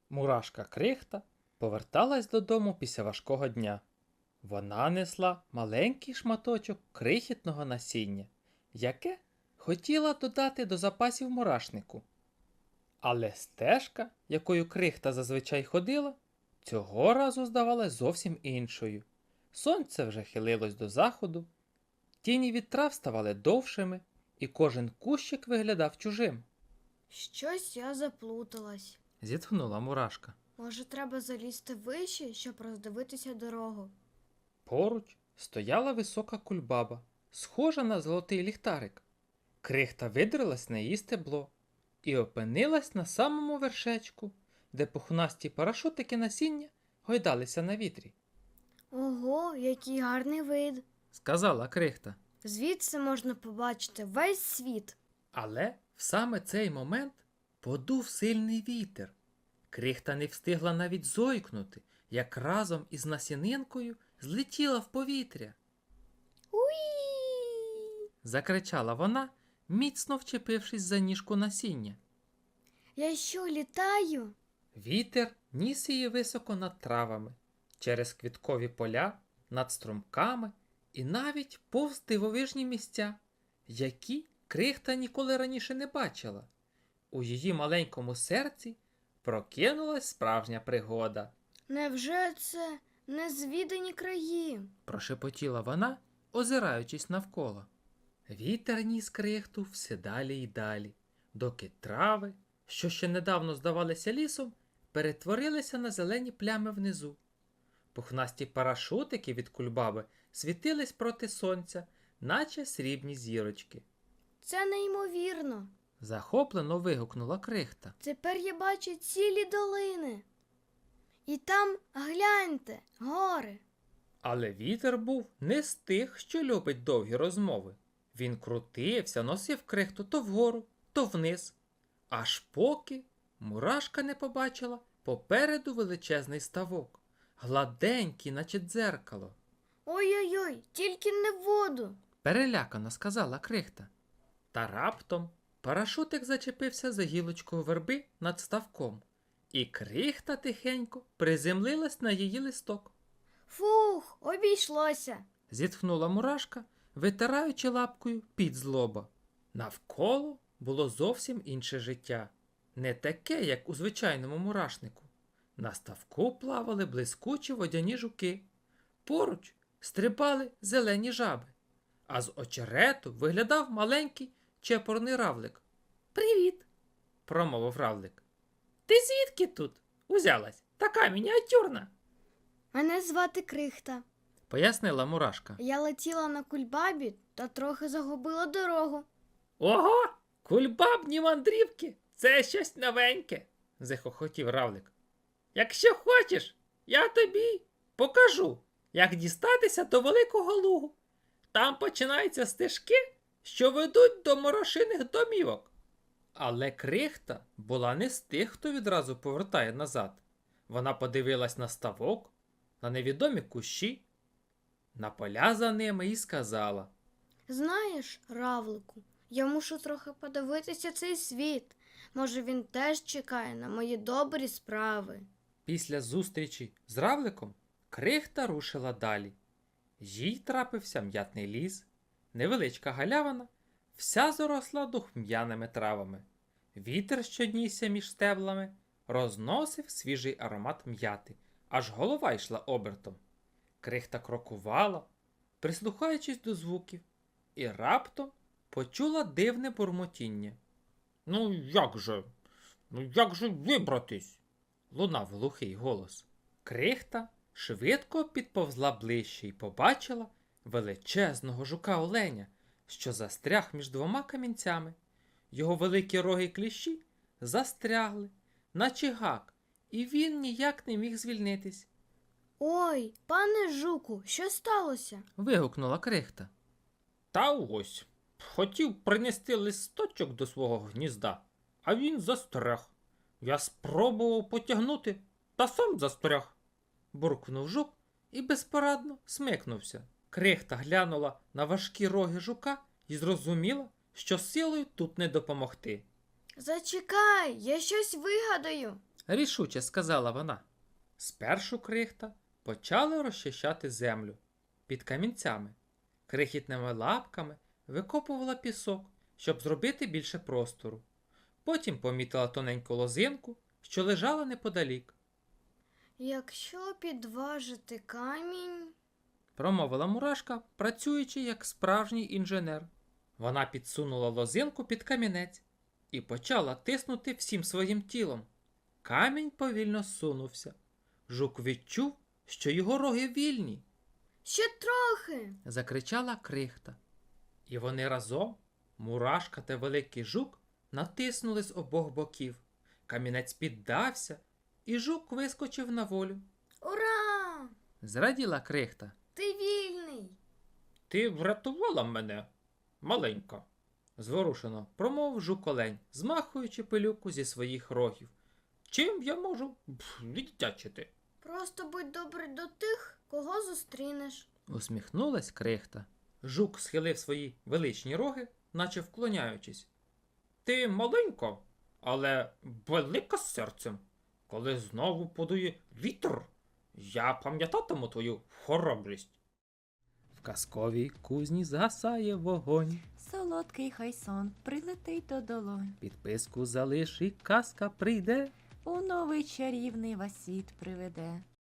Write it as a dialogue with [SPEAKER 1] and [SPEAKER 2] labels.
[SPEAKER 1] Мурашка Крихта поверталась додому після важкого дня. Вона несла маленький шматочок крихітного насіння, яке хотіла додати до запасів мурашнику. Але стежка, якою крихта зазвичай ходила, цього разу здавалась зовсім іншою. Сонце вже хилилось до заходу, тіні від трав ставали довшими, і кожен кущик виглядав чужим.
[SPEAKER 2] Щось я заплуталась.
[SPEAKER 1] Зітхнула мурашка.
[SPEAKER 2] Може, треба залізти вище, щоб роздивитися дорогу.
[SPEAKER 1] Поруч стояла висока кульбаба, схожа на золотий ліхтарик. Крихта видрилась на її стебло і опинилась на самому вершечку, де пухнасті парашутики насіння гойдалися на вітрі.
[SPEAKER 2] Ого, який гарний вид.
[SPEAKER 1] Сказала крихта.
[SPEAKER 2] Звідси можна побачити весь світ.
[SPEAKER 1] Але в саме цей момент подув сильний вітер. Крихта не встигла навіть зойкнути, як разом із насінинкою злетіла в повітря.
[SPEAKER 2] Уї!
[SPEAKER 1] Закричала вона, міцно вчепившись за ніжку насіння.
[SPEAKER 2] Я що, літаю?
[SPEAKER 1] Вітер ніс її високо над травами, через квіткові поля, над струмками і навіть повз дивовижні місця, які крихта ніколи раніше не бачила. У її маленькому серці прокинулась справжня пригода.
[SPEAKER 2] Невже це незвідані краї?
[SPEAKER 1] Прошепотіла вона, озираючись навколо. Вітер ніс крихту все далі й далі, доки трави, що ще недавно здавалися лісом, перетворилися на зелені плями внизу. Пухнасті парашутики від кульбаби світились проти сонця, наче срібні зірочки.
[SPEAKER 2] Це неймовірно.
[SPEAKER 1] Захоплено вигукнула крихта.
[SPEAKER 2] Тепер я бачу цілі долини. І там, гляньте, гори.
[SPEAKER 1] Але вітер був не з тих, що любить довгі розмови. Він крутився, носив крихту то вгору, то вниз. Аж поки мурашка не побачила попереду величезний ставок, гладенький, наче дзеркало.
[SPEAKER 2] Ой-ой-ой, тільки не в воду.
[SPEAKER 1] Перелякано сказала крихта. Та раптом парашутик зачепився за гілочкою верби над ставком, і крихта тихенько приземлилась на її листок.
[SPEAKER 2] Фух, обійшлося.
[SPEAKER 1] Зітхнула мурашка, витираючи лапкою під з лоба. Навколо було зовсім інше життя. Не таке, як у звичайному мурашнику. На ставку плавали блискучі водяні жуки. Поруч стрибали зелені жаби. А з очерету виглядав маленький чепурний равлик. «Привіт!» – промовив равлик. «Ти звідки тут узялась? Така мініатюрна!»
[SPEAKER 2] Мене звати Крихта.
[SPEAKER 1] – пояснила мурашка.
[SPEAKER 2] Я летіла на кульбабі та трохи загубила дорогу.
[SPEAKER 1] «Ого! Кульбабні мандрівки! Це щось новеньке!» – захохотів равлик. «Якщо хочеш, я тобі покажу, як дістатися до Великого Лугу. Там починаються стежки, що ведуть до морошиних домівок». Але крихта була не з тих, хто відразу повертає назад. Вона подивилась на ставок, на невідомі кущі, на поля за ними і сказала:
[SPEAKER 2] Знаєш, равлику, я мушу трохи подивитися цей світ. Може, він теж чекає на мої добрі справи.
[SPEAKER 1] Після зустрічі з равликом крихта рушила далі. Їй трапився м'ятний ліс, невеличка галявина, вся заросла духм'яними травами. Вітер, що нісся між стеблами, розносив свіжий аромат м'яти, аж голова йшла обертом. Крихта крокувала, прислухаючись до звуків, і раптом почула дивне бурмотіння. «Ну як же вибратись?» – лунав глухий голос. Крихта швидко підповзла ближче і побачила величезного жука-оленя, що застряг між двома камінцями. Його великі роги кліщі застрягли, наче гак, і він ніяк не міг звільнитись.
[SPEAKER 2] Ой, пане жуку, що сталося?
[SPEAKER 1] Вигукнула крихта. Та ось, хотів принести листочок до свого гнізда, а він застряг. Я спробував потягнути, та сам застряг. Буркнув жук і безпорадно смикнувся. Крихта глянула на важкі роги жука і зрозуміла, що силою тут не допомогти.
[SPEAKER 2] Зачекай, я щось вигадаю.
[SPEAKER 1] рішуче сказала вона. Спершу крихта почала розчищати землю під камінцями. Крихітними лапками викопувала пісок, щоб зробити більше простору. Потім помітила тоненьку лозинку, що лежала неподалік.
[SPEAKER 2] Якщо підважити камінь,
[SPEAKER 1] Промовила мурашка, працюючи як справжній інженер. Вона підсунула лозинку під камінець і почала тиснути всім своїм тілом. Камінь повільно сунувся. Жук відчув, що його роги вільні,
[SPEAKER 2] ще трохи.
[SPEAKER 1] закричала крихта. І вони разом, мурашка та великий жук, натиснули з обох боків. Камінець піддався, і жук вискочив на волю.
[SPEAKER 2] Ура!
[SPEAKER 1] Зраділа крихта.
[SPEAKER 2] Ти вільний.
[SPEAKER 1] Ти врятувала мене, маленька, зворушено промовив жук-олень, змахуючи пилюку зі своїх рогів. Чим я можу віддячити?
[SPEAKER 2] Просто будь добрий до тих, кого зустрінеш.
[SPEAKER 1] Усміхнулась крихта. Жук схилив свої величні роги, наче вклоняючись. Ти маленька, але велика серцем. Коли знову подує вітер, я пам'ятатиму твою хоробрість. В казковій кузні згасає вогонь.
[SPEAKER 3] Солодкий хай сон прилетить до долонь.
[SPEAKER 1] Підписку залиш і казка прийде.
[SPEAKER 3] У новий чарівний вас світ приведе.